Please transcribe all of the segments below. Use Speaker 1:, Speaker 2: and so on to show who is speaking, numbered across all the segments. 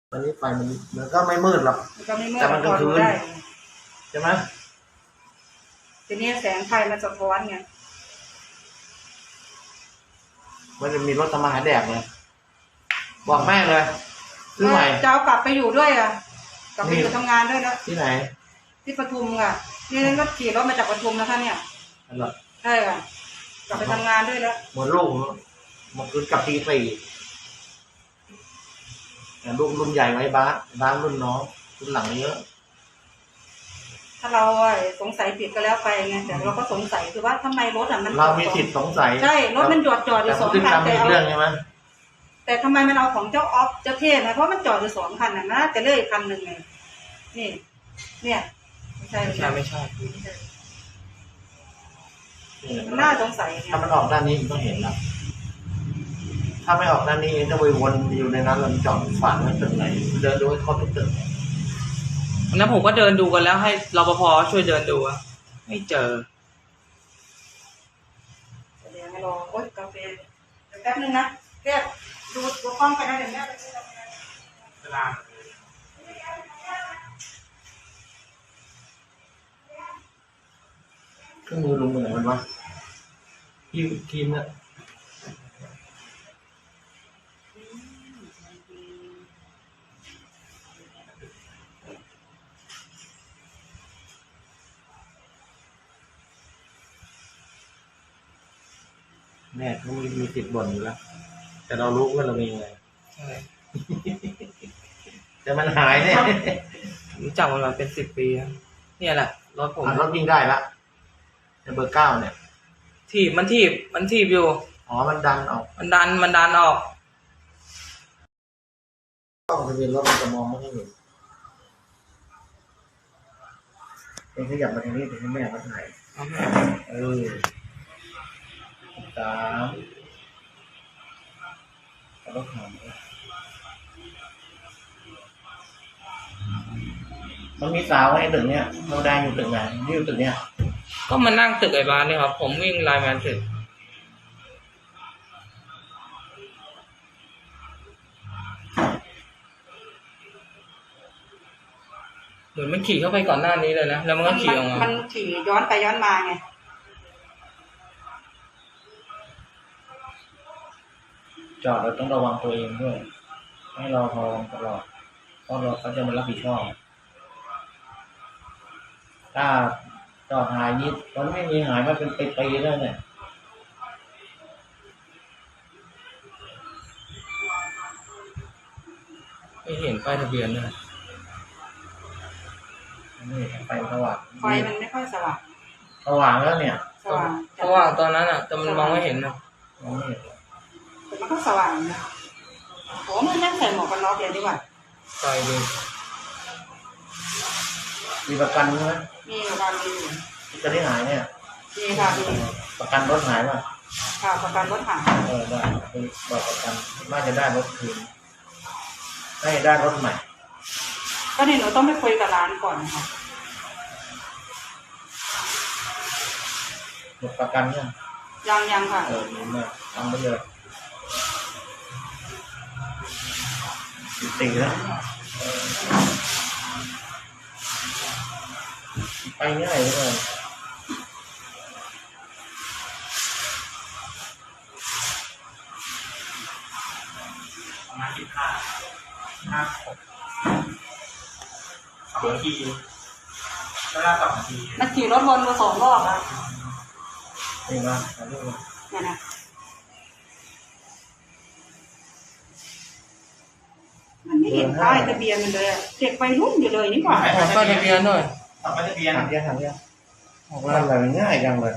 Speaker 1: ตอนนี้ไฟมันก็ไม่มืดหรอก
Speaker 2: ก็ไม่มืด
Speaker 1: แต่มันกลางคืนใช่ไหม
Speaker 2: ทีนี้แสงไฟมันสะท้อนไง
Speaker 1: มันจะมีรถทำมาหาแดกเลยบอกแม่เลยซื้อใหม่
Speaker 2: จะเอากลับไปอยู่ด้วยอ่ะกลับไปอยู่ทำงานด้วยนะ
Speaker 1: ที่ไหน
Speaker 2: ที่ปทุมค่ะนี่ก็ขี่รถมาจากปทุมนะคะเนี่ยใช่ค่ะกลับไปทำงานด้วยแล้ว
Speaker 1: เหมือนลูกมันคืนกลับตีสี่ลูกรุ่นใหญ่ไว้บ้านรุ่นน้องรุ่นหลังเยอะ
Speaker 2: ถ้าเราสงสัยผิดก็แล้วไปไงแต่เราก็สงสัยคือว่าทำไมรถมัน
Speaker 1: เรามีสิทธิ์สงสัย
Speaker 2: ใช่รถมันจอดอยู่2 คัน
Speaker 1: แต่เรื่องใช่ไหม
Speaker 2: แต่ทำไมมันเอาของเจ้าออฟเจ้าเทศนะเพราะมันจอดอยู่2 คันน่ะแต่เลื่อยคันหนึ่งไงนี่เนี่ยไม่ใช่น่าสงสัย
Speaker 1: ถ้ามันออกด้านนี้มันต้องเห็นนะถ้าไม่ออกด้านนี้จะไปวนอยู่ในนั้นแล้วจอดฝันมันตึกไหนเดินดูให้ครบทุกตึก
Speaker 3: วันนั้นผมก็เดินดูกันแล้วให้รปภช่วยเดินดูอะไม่เจอ
Speaker 2: เดี๋ยวให้รอโอ๊ยกาแฟแป๊บนึงนะแป๊บดูกล้องไปนะเดี๋ยวแม่ไปซื้อกาแฟเวลา
Speaker 1: เครื่องมือลงมือไหนมันวะทีมเนี่ยแม่เขามีติดบ่นอยู่แล้วแต่เรารู้ว่าเรามีไง
Speaker 3: ใช่
Speaker 1: แต่มันหายเนี่ย
Speaker 3: รู้จักมันมาเป็น10 ปีแล้วเนี่ยแหละรถผม
Speaker 1: รถวิ่งได้ละในเบอร์9เนี่ย
Speaker 3: มันถีบอยู่
Speaker 1: อ๋อมันดันออก
Speaker 3: มันดันออก
Speaker 1: กล้องทะเบียนรถมันจะมองไม่เห็นเองขยับมาทางนี้ถึงให้แม่เขาถ่าย3แล้วก็มันมีสาวในตึกเนี้ยเราได้อยู่ตึกไหนอยู่ตึกเนี้ย
Speaker 3: ก็มานั่งตึกไอ้บ้านนี่ครับผมวิ่งไลน์แมนถึงเหมือนมันขี่เข้าไปก่อนหน้านี้เลยนะแล้วมันก็ขี่ออกมา
Speaker 2: มันขี่ย้อนไปย้อนมาไง
Speaker 1: จอดเราต้องระวังตัวเองด้วยให้เราระวังตลอดเพราะเขาจะมารับผิดชอบถ้าจอดหายนิดมันไม่มีหายมาเป็นปีๆแล้วเนี่ย
Speaker 3: ไม่เห็นป้ายทะเบียนเลย
Speaker 1: นี่ไฟสว่าง
Speaker 2: ไฟมันไม่ค่อยสว่าง
Speaker 1: สว่างแล้วเนี่ย
Speaker 2: สว่าง
Speaker 3: ตอนนั้นอ่ะแต่มันมองไม่เห็นนะ
Speaker 1: มองไม่เห็น
Speaker 2: แต่มันก็สว่างนะโอ้มันนั่งใส่หมวกกันน็อกเลยดีกว่า
Speaker 3: ไฟดู
Speaker 1: มีประกันไหม
Speaker 2: มีประกันมี
Speaker 1: จะได้หายเนี่ย
Speaker 2: มีค่ะมี
Speaker 1: ประกันรถหายป่ะ
Speaker 2: ค่ะประกันรถหาย
Speaker 1: ได้บอกประกันน่าจะได้รถคืนได้รถใหม่
Speaker 2: ก็เนี่ยหนูต้องไปคุยกับร้านก่อนค่ะ
Speaker 1: หมดประกัน
Speaker 2: ยังค่ะ
Speaker 1: ดีมากทำไปเลยตีแล้วไปง่ายเลย
Speaker 4: ประมาณ15 2 นาทีก็ได้2 นาที
Speaker 2: มันขี่รถวนมา2 รอบแล้ว
Speaker 1: นี่มา
Speaker 2: เนี่ยนะมันไม่เห็นป้ายทะเบียนมันเลยเด็กไปรุ่นอยู่เลยนี่หว่า
Speaker 3: ป้ายทะเบียนหน่อย
Speaker 4: ป้ายทะเบียน
Speaker 1: ถามยังอะไรง่ายจังเลย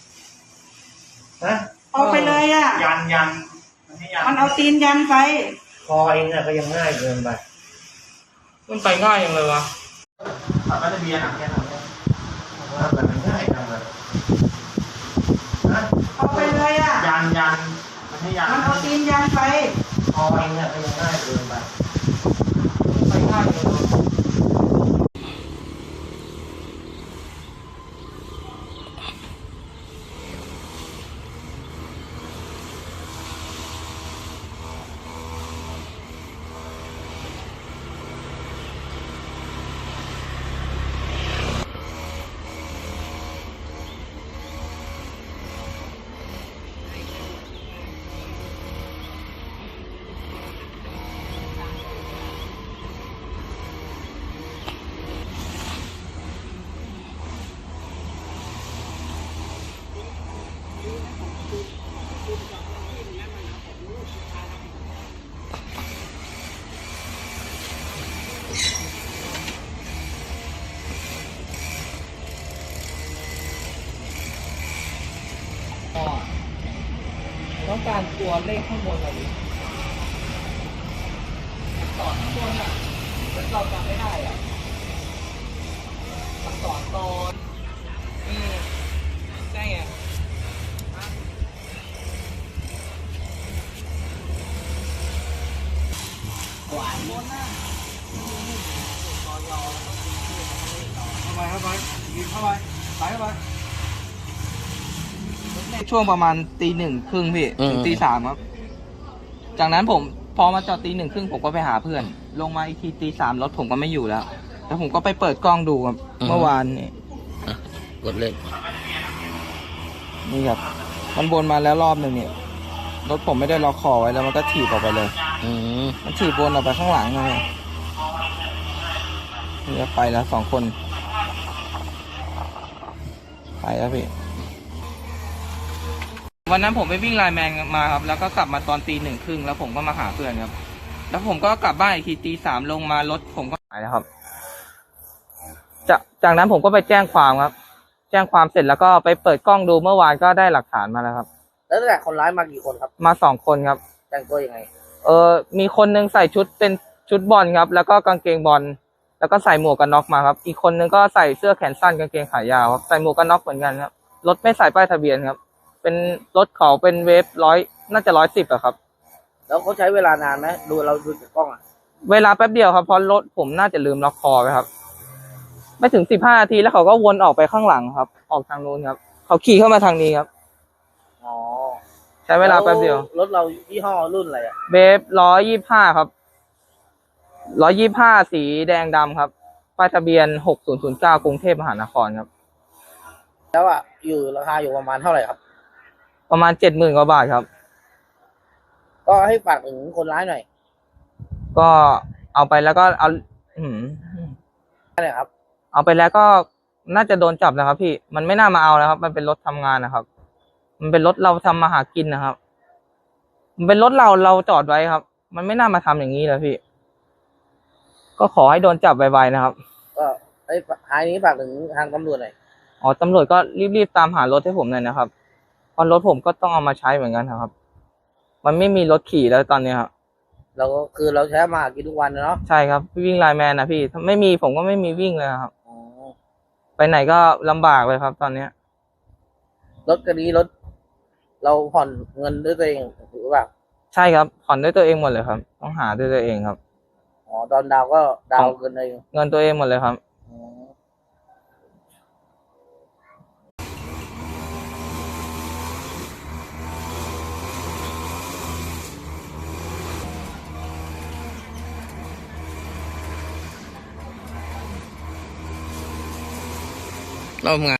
Speaker 2: เอาไปเลย
Speaker 4: ยัน
Speaker 2: มันเอาตีนยันไป
Speaker 1: พอเองก็ยังง่ายเกินไป
Speaker 3: มันไปง่ายยังเลยวะ
Speaker 4: ป้ายทะเบียน
Speaker 1: มันง่ายจังเลย
Speaker 2: เอาไปเลย
Speaker 4: ยัน
Speaker 2: มันเอาตีนยันไป
Speaker 1: พอเองก็ยังง่ายเกินไป
Speaker 3: ไปง่ายเลยวะตัวเลขข้างบนอะไรตอนข้างบนอ่ะเราจำไม่ได้อ่ะตอนใช่ไงหวานบนน่ะเข้าไปยิงเข้าไปไปเข้าไปช่วงประมาณตีหนึ่งครึ่งพี่ถึงตีสามครับ จากนั้นผมพอมาจอดตีหนึ่งครึ่งผมก็ไปหาเพื่อน ลงมาอีกทีตีสามรถผมก็ไม่อยู่แล้วแล้วผมก็ไปเปิดกล้องดูครับเมื่อวานนี่
Speaker 1: กดเล่น
Speaker 3: นี่ครับมันวนมาแล้วรอบหนึ่งเนี่ยรถผมไม่ได้ล็อกคอไว้แล้วมันก็ถีบออกไปเลยมันถีบวนออกไปข้างหลังเลยนี่ก็ไปแล้ว2 คนไปแล้วพี่วันนั้นผมไปวิ่งไลน์แมนมาครับแล้วก็กลับมาตอนตีหนึ่งครึ่งแล้วผมก็มาหาเพื่อนครับแล้วผมก็กลับบ้านอีกทีตีสามลงมารถผมก็หายแล้วครับจากนั้นผมก็ไปแจ้งความครับแจ้งความเสร็จแล้วก็ไปเปิดกล้องดูเมื่อวานก็ได้หลักฐานมาแล้วครับ
Speaker 1: แล้วแต่คนร้ายมากี่คนครับ
Speaker 3: มา2 คนครับ
Speaker 1: แต่งตัวยังไง
Speaker 3: มีคนนึงใส่ชุดเป็นชุดบอลครับแล้วก็กางเกงบอลแล้วก็ใส่หมวกกันน็อกมาครับอีกคนนึงก็ใส่เสื้อแขนสั้นกางเกงขายาวครับใส่หมวกกันน็อกเหมือนกันครับรถไม่ใส่ป้ายทะเบียนครับเป็นรถเขาเป็นเวฟน่าจะ110อะครับ
Speaker 1: แล้วเขาใช้เวลานานไหมเราดูจากกล้องอ่ะ
Speaker 3: เวลาแป๊บเดียวครับเพราะรถผมน่าจะลืมล็อกคอไปครับไม่ถึง15 นาทีแล้วเขาก็วนออกไปข้างหลังครับออกทางนู้นครับเขาขี่เข้ามาทางนี้ครับ
Speaker 1: อ๋อ
Speaker 3: ใช้เวลาแป๊บเดียว
Speaker 1: รถเรายี่ห้อรุ่นอะไรอ่ะ
Speaker 3: เบฟ125ครับ125สีแดงดำครับป้ายทะเบียน6009กรุงเทพมหานครครับ
Speaker 1: แล้วอ่ะอยู่ราคาอยู่ประมาณเท่าไหร่ครับ
Speaker 3: ประมาณ 70,000 กว่าบาทครับ
Speaker 1: ก็ให้ฝากถึงคนร้ายหน่อย
Speaker 3: ก็เอาไปแล้วก็เอา
Speaker 1: นั่นแหละครับ
Speaker 3: เอาไปแล้วก็น่าจะโดนจับนะครับพี่มันไม่น่ามาเอาแล้วครับมันเป็นรถทำงานนะครับมันเป็นรถเราทำมาหากินนะครับมันเป็นรถเราจอดไว้ครับมันไม่น่ามาทำอย่างนี้เลยพี่ก็ขอให้โดนจับไวๆนะครับ
Speaker 1: ก็ไอ้ท้ายนี้ฝากถึงทางตำรวจหน่อย
Speaker 3: อ๋อตำรวจก็รีบๆตามหารถให้ผมหน่อยนะครับเพราะรถผมก็ต้องเอามาใช้เหมือนกันนะครับมันไม่มีรถขี่แล้วตอนนี้ครับ
Speaker 1: เราก็คือเราใช้มาหากินทุกวันนะเนาะ
Speaker 3: ใช่ครับวิ่งไลน์แมนนะพี่ถ้าไม่มีผมก็ไม่มีวิ่งเลยครับ
Speaker 1: อ๋อ
Speaker 3: ไปไหนก็ลำบากเลยครับ ตอนเนี้ย
Speaker 1: รถคันนี้รถเราผ่อนเงินด้วยตัวเองหรือเปล่า
Speaker 3: ใช่ครับผ่อนด้วยตัวเองหมดเลยครับ ต้องหาด้วยตัวเองครับ
Speaker 1: อ๋อตอนดาวก็ดาวเงินเอง
Speaker 3: เงินตัวเองหมดเลยครับ
Speaker 1: อ๋อ
Speaker 3: เราทำงาน